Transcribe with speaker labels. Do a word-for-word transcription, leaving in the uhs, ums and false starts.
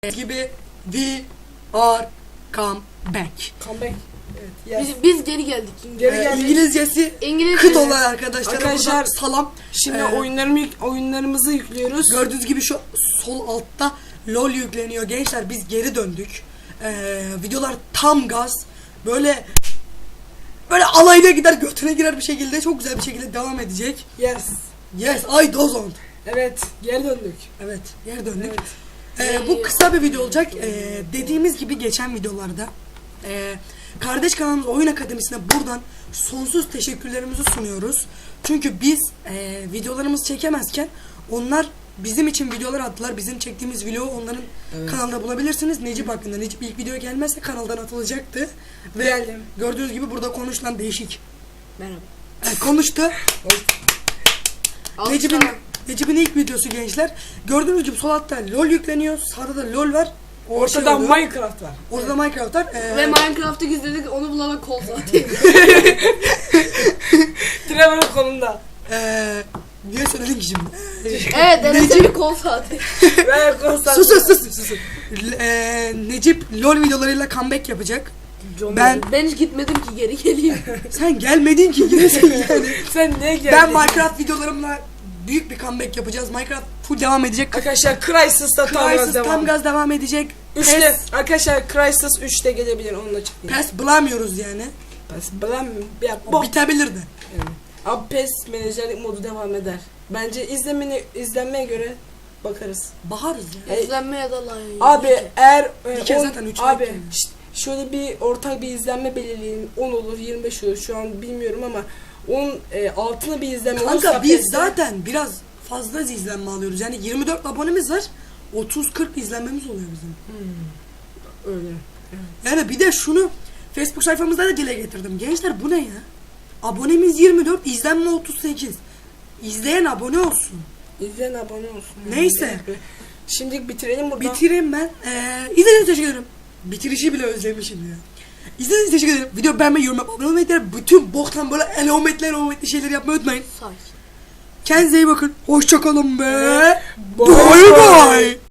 Speaker 1: gibi we are come back.
Speaker 2: Come back. Evet. Yes.
Speaker 3: Biz, biz geri geldik.
Speaker 2: Geri
Speaker 1: Ee,
Speaker 2: geldik.
Speaker 1: İngilizcesi
Speaker 3: İngilizce.
Speaker 1: kıt olan arkadaşlar.
Speaker 2: Arkadaşlar,
Speaker 1: Salam.
Speaker 2: Şimdi
Speaker 1: Ee,
Speaker 2: oyunlarımı oyunlarımızı yüklüyoruz.
Speaker 1: Gördüğünüz gibi şu sol altta LOL yükleniyor gençler. Biz geri döndük. Ee, videolar tam gaz. Böyle böyle alayına gider, götüne girer bir şekilde, çok güzel bir şekilde devam edecek.
Speaker 2: Yes.
Speaker 1: Yes, I dozon.
Speaker 2: Evet, geri döndük.
Speaker 1: Evet, geri döndük.
Speaker 2: Evet.
Speaker 1: Ee, bu kısa bir video olacak. Ee, dediğimiz gibi geçen videolarda e, kardeş kanalımız Oyun Akademisi'ne buradan sonsuz teşekkürlerimizi sunuyoruz. Çünkü biz e, videolarımızı çekemezken onlar bizim için videolar attılar. Bizim çektiğimiz video onların
Speaker 2: Evet.
Speaker 1: kanalda bulabilirsiniz. Necip hakkında. Necip ilk video gelmezse kanaldan atılacaktı. Ve
Speaker 2: Geldim.
Speaker 1: gördüğünüz gibi burada konuşulan değişik.
Speaker 3: Merhaba.
Speaker 1: Yani konuştu.
Speaker 3: Al
Speaker 1: Necip'in
Speaker 3: sana.
Speaker 1: Necip'in ilk videosu gençler. Gördüğünüz gibi sol altta LOL yükleniyor. Sağda da LOL var. O
Speaker 2: Ortada
Speaker 1: şey oluyor.
Speaker 2: Minecraft var.
Speaker 1: Ortada Minecraft var. Ee,
Speaker 3: Ve Minecraft'ı gizledik, onu bulana kol zaten.
Speaker 2: Trevor'ın kolunda.
Speaker 1: Ee, niye söyledin ki şimdi?
Speaker 3: Evet, dereceli kol zaten.
Speaker 2: Ve konsant.
Speaker 1: Susun susun susun. Ee, Necip LOL videolarıyla comeback yapacak. Ben
Speaker 3: Ben hiç gitmedim ki geri geleyim.
Speaker 1: sen gelmedin ki giresin yani.
Speaker 2: Sen niye geldin?
Speaker 1: Ben Minecraft videolarımla büyük bir comeback yapacağız. Minecraft full devam edecek.
Speaker 2: Arkadaşlar Crysis'ta tam
Speaker 1: Crysis
Speaker 2: gaz devam.
Speaker 1: tam gaz devam edecek.
Speaker 2: Üçte.
Speaker 1: Pes,
Speaker 2: Arkadaşlar Crysis üçte gelebilir onunla çıkıyor.
Speaker 1: pes bulamıyoruz yani.
Speaker 2: Pes. Blam. Ya
Speaker 1: O
Speaker 2: bu.
Speaker 1: bitebilir de.
Speaker 2: Evet. Abi PES menajerlik modu devam eder. Bence izlemeni izlenmeye göre bakarız.
Speaker 1: Baharız ya.
Speaker 2: E,
Speaker 3: İzlenme ya da like.
Speaker 2: Abi eğer e,
Speaker 1: Bir kere
Speaker 2: on-
Speaker 1: zaten üç
Speaker 2: abi
Speaker 1: like yani.
Speaker 2: şşt, şöyle bir ortak bir izlenme belirleyelim. on olur, yirmi beş olur. Şu an bilmiyorum ama on e, altına bir izlenme olursa
Speaker 1: Kanka biz
Speaker 2: PES'te-
Speaker 1: zaten biraz fazla izlenme alıyoruz. Yani yirmi dört abonemiz var. otuz kırk izlenmemiz oluyor bizim.
Speaker 2: öyle.
Speaker 1: Yani bir de şunu Facebook sayfamızda da dile getirdim. Gençler bu ne ya? Abonemiz yirmi dört, izlenme otuz sekiz. İzleyen abone olsun.
Speaker 2: İzleyen abone olsun.
Speaker 1: Neyse.
Speaker 2: Şimdi bitirelim burada.
Speaker 1: Bitireyim ben. Ee, izlediğiniz için teşekkür ederim. Bitirişi bile özlemişim ya. İzlediğiniz için teşekkür ederim. Video beğenmeyi, yorum yapmayı, abone olmayı, diğer bütün boktan böyle elometler, elometli şeyleri yapmayı unutmayın.
Speaker 3: Sakin.
Speaker 1: Kendinize iyi bakın. Hoşçakalın be.
Speaker 2: Bye
Speaker 1: Bye
Speaker 2: bye.
Speaker 1: bye.